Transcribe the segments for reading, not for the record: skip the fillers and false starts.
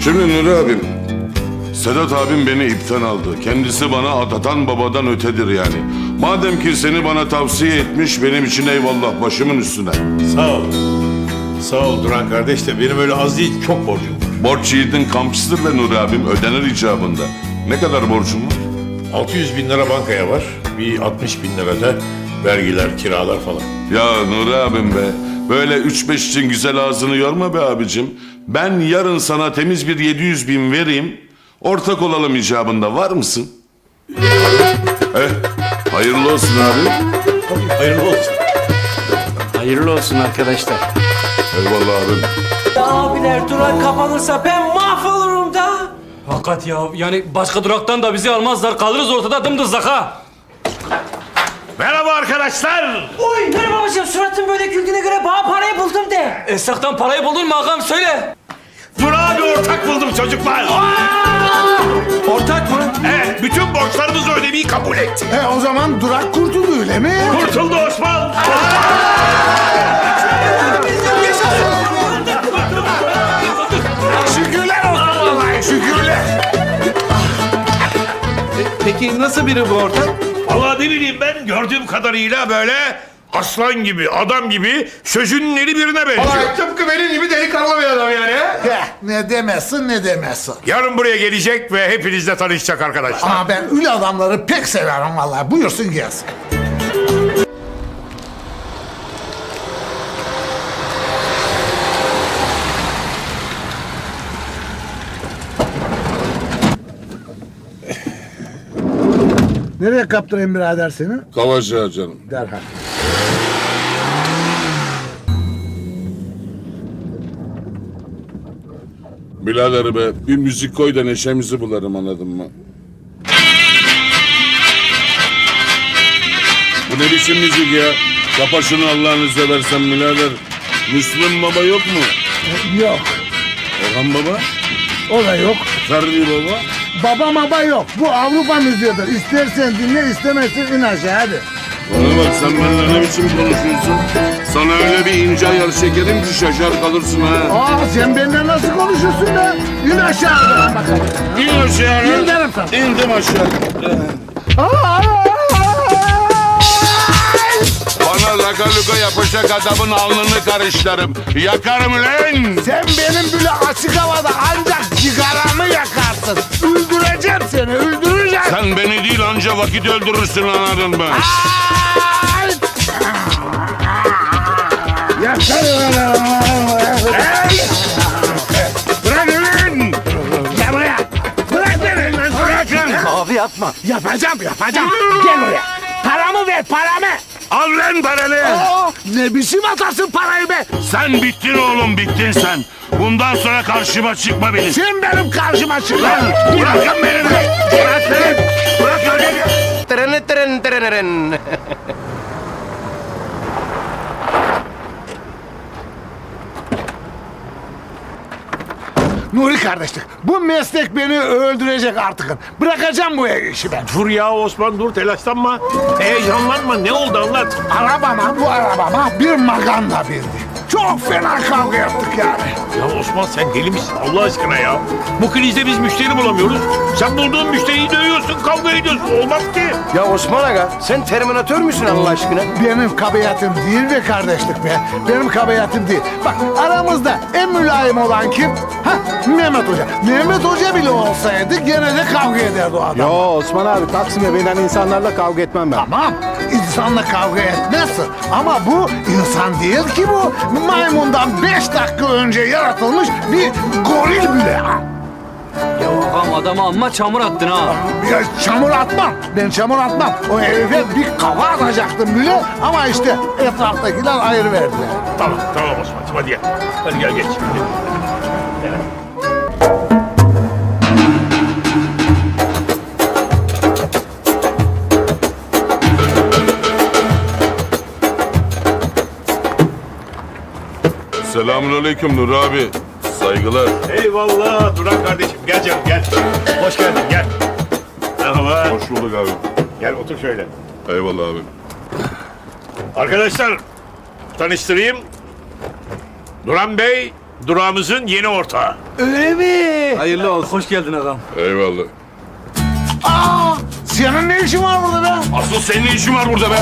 Şimdi Nuri abim, Sedat abim beni ipten aldı. Kendisi bana atatan babadan ötedir yani. Madem ki seni bana tavsiye etmiş, benim için eyvallah, başımın üstüne. Sağ ol. Sağ ol Duran kardeş de benim öyle az değil, çok borcum var. Borç yiğidin kamçısıdır be Nuri abim, ödenir icabında. Ne kadar borcum var? 600 bin lira bankaya var. Bir 60 bin lira da vergiler, kiralar falan. Ya Nuri abim be, böyle 3-5 için güzel ağzını yorma be abicim. Ben yarın sana temiz bir 700 bin vereyim, ortak olalım icabında, var mısın? Hayırlı olsun abi. Hayırlı olsun. Hayırlı olsun arkadaşlar. Eyvallah abim. Abiler durak kapanırsa ben mahvolurum da. Hakikat ya, yani başka duraktan da bizi almazlar, kalırız ortada dımdızlak ha. Merhaba arkadaşlar. Oy merhaba babacığım, suratın böyle güldüğüne göre bana parayı buldum de. Esnaftan parayı buldun mu ağam, söyle. Durak'a bir ortak buldum çocuklar. Ortak mı? Evet, bütün borçlarımızı ödemeyi kabul etti. O zaman durak kurtuldu öyle mi? Kurtuldu Osman. Şükürler olsun vallahi, şükürler. Peki nasıl biri bu ortak? Vallahi ne bileyim ben, gördüğüm kadarıyla böyle aslan gibi, adam gibi, sözünün eri birine benziyor. Tıpkı benim gibi delikanlı bir adam yani. Ne demezsin ne demezsin. Yarın buraya gelecek ve hepinizle tanışacak arkadaşlar. Ama ben öyle adamları pek severim vallahi. Buyursun gelsin. Nereye kaptırayım birader seni? Kavacığa canım. Derhal. Birader be, bir müzik koy da neşemizi bularım, anladın mı? Bu ne biçim müzik ya? Kapa şunu Allah'ını seversen birader. Müslüm Baba yok mu? Yok. Orhan Baba? O da yok. Ferdi Baba? Baba baba yok. Bu Avrupa müziğidir. İstersen dinle, istemezsen in aşağı hadi. Bana bak, sen benimle ne biçim konuşuyorsun? Sana öyle bir ince ayar çekerim ki şaşar kalırsın ha. Sen benimle nasıl konuşuyorsun be? İn aşağı bakalım. İn aşağı. İn derim sana. İndim aşağı. Bana laka luka yapacak adamın alnını karışlarım. Yakarım lan. Sen benim böyle açık havada ancak cigaramı yakarsın. Öldüreceğim seni, öldüreceğim. Sen beni değil, anca vakit öldürürsün, anladın mı? Ay! Yakarım. Bırak lan! Gel buraya. Bırak beni. Bırak lan! Abi yapma. Yapacağım. Gel buraya. Paramı ver, paramı. Al lan paranı! Ne biçim atasın parayı be? Sen bittin oğlum, bittin sen. Bundan sonra karşıma çıkma benim. Sen benim karşıma çık lan. Bırakın beni! Bırak lan! Bırak lan! Tren tren tren. Nuri kardeşlik, bu meslek beni öldürecek artık. Bırakacağım bu işi ben. Dur ya Osman, dur, telaşlanma. Heyecanlanma, ne oldu anlat. Bu arabama bir maganda bindi. Çok fena kavga yaptık yani. Ya Osman, sen deli misin Allah aşkına ya? Bu krizde biz müşteri bulamıyoruz. Sen bulduğun müşteriyi dövüyorsun, kavga ediyorsun. Olmaz ki. Ya Osman Aga, sen Terminator müsün Allah aşkına? Benim kabahatim değil be kardeşlik be. Benim kabahatim değil. Bak aramızda en mülayim olan kim? Mehmet Hoca. Mehmet Hoca bile olsaydı gene de kavga ederdi o adam. Yo Osman abi, Taksim'e binen insanlarla kavga etmem ben. Tamam, insanla kavga etmezsin. Ama bu insan değil ki bu. Maymundan 5 dakika önce yaratılmış bir goril bile. Ya ağam, adama amma çamur attın ha. Ya çamur atmam. Ben çamur atmam. O herife bir kafa atacaktım bile. Ama işte etraftakiler ayrı verdiler. Tamam Osman'cığım, hadi gel. Hadi gel, geç. Selamünaleyküm Nur abi. Saygılar. Eyvallah Duran kardeşim, gel canım gel. Hoş geldin, gel. Merhaba. Hoş bulduk abi. Gel otur şöyle. Eyvallah abi. Arkadaşlar, tanıştırayım. Duran Bey, durağımızın yeni ortağı. Öyle mi? Hayırlı olsun. Hoş geldin ağam. Eyvallah. Aa, senin ne işin var burada be? Asıl senin ne işin var burada be?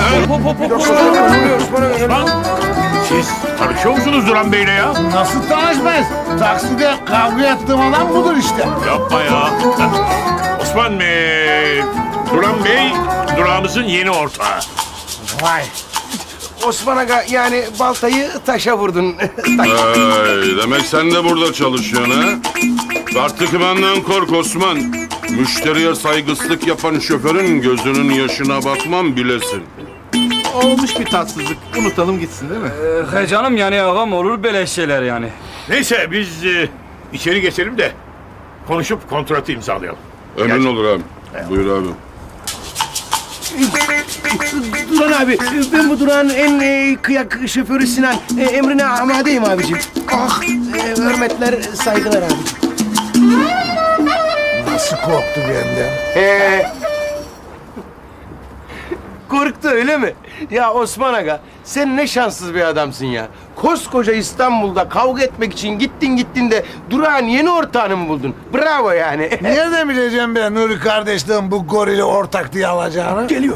Osman, siz tanışıyor musunuz Duran Bey'le ya? Nasıl tanışmayız? Takside kavga ettiğim adam budur işte. Yapma ya. Osman Duran Bey, durağımızın yeni ortağı. Vay. Osman Aga yani baltayı taşa vurdun. Ay, demek sen de burada çalışıyorsun ha? Artık benden kork Osman. Müşteriye saygısızlık yapan şoförün gözünün yaşına bakmam bilesin. Olmuş bir tatsızlık. Unutalım gitsin değil mi? He canım yani ağam olur böyle şeyler yani. Neyse biz içeri geçelim de konuşup kontratı imzalayalım. Emin olur abi. Buyur abi. Duran abi, ben bu durağın en kıyak şoförü Sinan. Emrine amadeyim abicim. Ah, hürmetler, saygılar abicim. Nasıl korktu benden? Korktu öyle mi? Ya Osman Aga, sen ne şanssız bir adamsın ya. Koskoca İstanbul'da kavga etmek için gittin de durağın yeni ortağını mı buldun? Bravo yani. Nereden bileceğim ben Nuri kardeşliğin bu gorili ortak diye alacağını? Geliyor.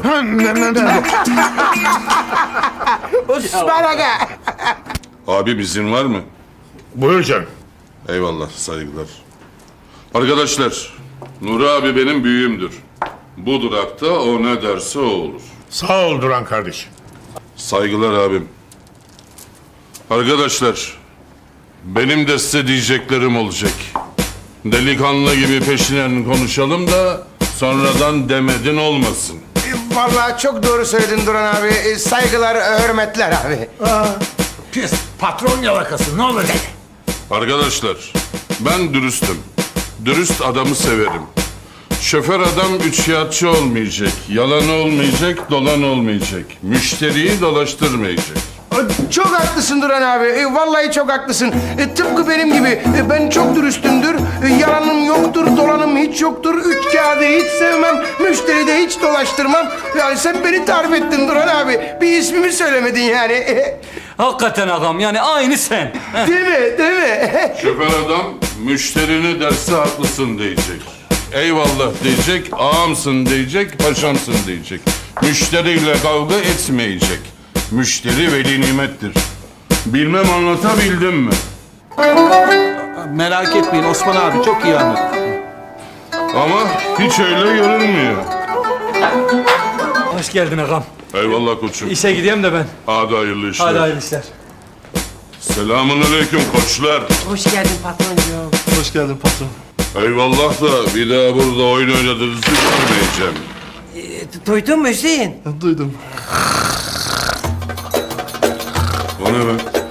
Osman Aga. Abi izin var mı? Buyur canım. Eyvallah, saygılar. Arkadaşlar, Nuri abi benim büyüğümdür. Bu durakta o ne derse o olur. Sağ ol Duran kardeşim. Saygılar abim. Arkadaşlar, benim de size diyeceklerim olacak. Delikanlı gibi peşinen konuşalım da sonradan demedin olmasın. Vallahi çok doğru söyledin Duran abi. Saygılar, hürmetler abi. Pis patron yalakası ne olacak? Arkadaşlar, ben dürüstüm. Dürüst adamı severim. Şoför adam üçkağıtçı olmayacak, yalan olmayacak, dolan olmayacak. Müşteriyi dolaştırmayacak. Çok haklısın Duran abi. Vallahi çok haklısın. Tıpkı benim gibi. Ben çok dürüstümdür. Yalanım yoktur, dolanım hiç yoktur. Üç kağıdı hiç sevmem. Müşteri de hiç dolaştırmam. Yani sen beni tarif ettin Duran abi. Bir ismimi söylemedin yani. Hakikaten ağam yani aynı sen. Değil mi? Değil mi? Şoför adam müşterini derse haklısın diyecek. Eyvallah diyecek, ağamsın diyecek, paşamsın diyecek. Müşteriyle kavga etmeyecek. Müşteri veli nimettir. Bilmem anlatabildim mi? Merak etmeyin Osman abi çok iyi anladı. Ama hiç öyle görünmüyor. Hoş geldin ağam. Eyvallah koçum. İşe gideyim de ben. Hadi hayırlı işler. Hadi hayırlı işler. Selamun aleyküm koçlar. Hoş geldin patroncuğum. Hoş geldin patron. Eyvallah da bir daha burada oyun oynadığınızı görmeyeceğim. Duydun mu Hüseyin? Duydum. O ne be?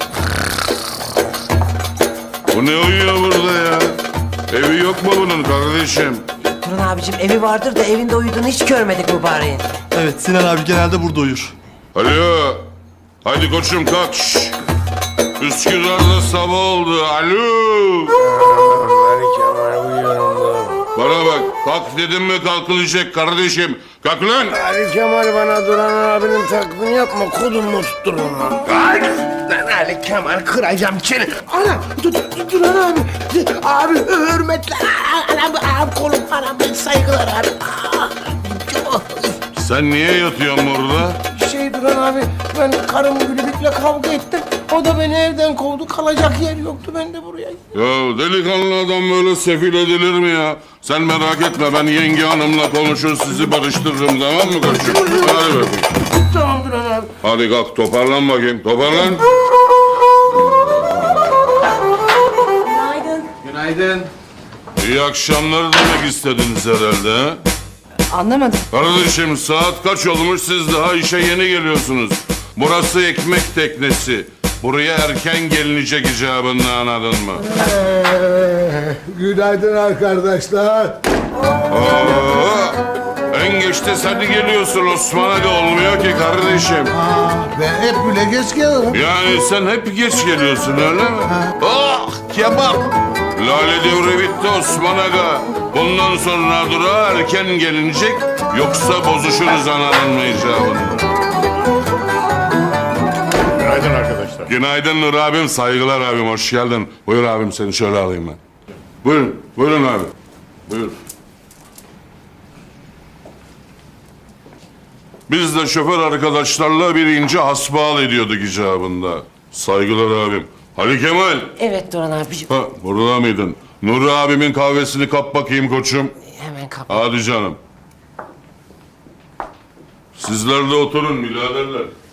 Bu ne uyuyor burada ya? Evi yok mu bunun kardeşim? Duran abicim evi vardır da evinde uyuduğunu hiç görmedik mübareğin. Evet Sinan abi genelde burada uyur. Alo. Haydi koçum kalk. Şşş. Üsküdar'da sabah oldu. Alo. Bana bak. Kalk dedim mi kalkılacak kardeşim. Kalk lan. Ali Kemal bana Duran abinin taklidini yapma. Kolumu tutturun lan. Ay! Lan Ali Kemal kıracağım seni. Ana! Duran abi. Abi hürmetler. Anam kolum anam saygılar abi. Sen niye yatıyorsun burada? Duran abi ben karım Gülübük'le kavga ettim. O da beni evden kovdu. Kalacak yer yoktu. Ben de buraya gittim. Ya delikanlı adam böyle sefil edilir mi ya? Sen merak etme ben yenge hanımla konuşur sizi barıştırırım tamam mı koçum? Hadi bakayım. Tamam Duran abi. Hadi kalk toparlan bakayım toparlan. Günaydın. Günaydın. İyi akşamlar demek istediniz herhalde ha? Anlamadım. Kardeşim saat kaç olmuş siz daha işe yeni geliyorsunuz. Burası ekmek teknesi. Buraya erken gelinecek icabında anladın mı? Günaydın arkadaşlar. Aa, en geçte sen geliyorsun Osman Aga olmuyor ki kardeşim. Ben hep bile geç gelirim. Yani sen hep geç geliyorsun öyle mi? Ah kebap. Lale devri bitti Osman Aga. Bundan sonra durağa erken gelinecek yoksa bozuşuruz anladın mı icabında? Günaydın arkadaşlar. Günaydın Nur abim, saygılar abim, hoş geldin. Buyur abim seni şöyle alayım ben. Buyurun, buyurun abi. Buyur. Biz de şoför arkadaşlarla bir ince hasbihal ediyorduk icabında. Saygılar abim. Ali Kemal. Evet Duran abicim. Ha, burada mıydın? Nuri abimin kahvesini kap bakayım koçum. Hemen kap. Hadi canım. Sizler de oturun biraderler.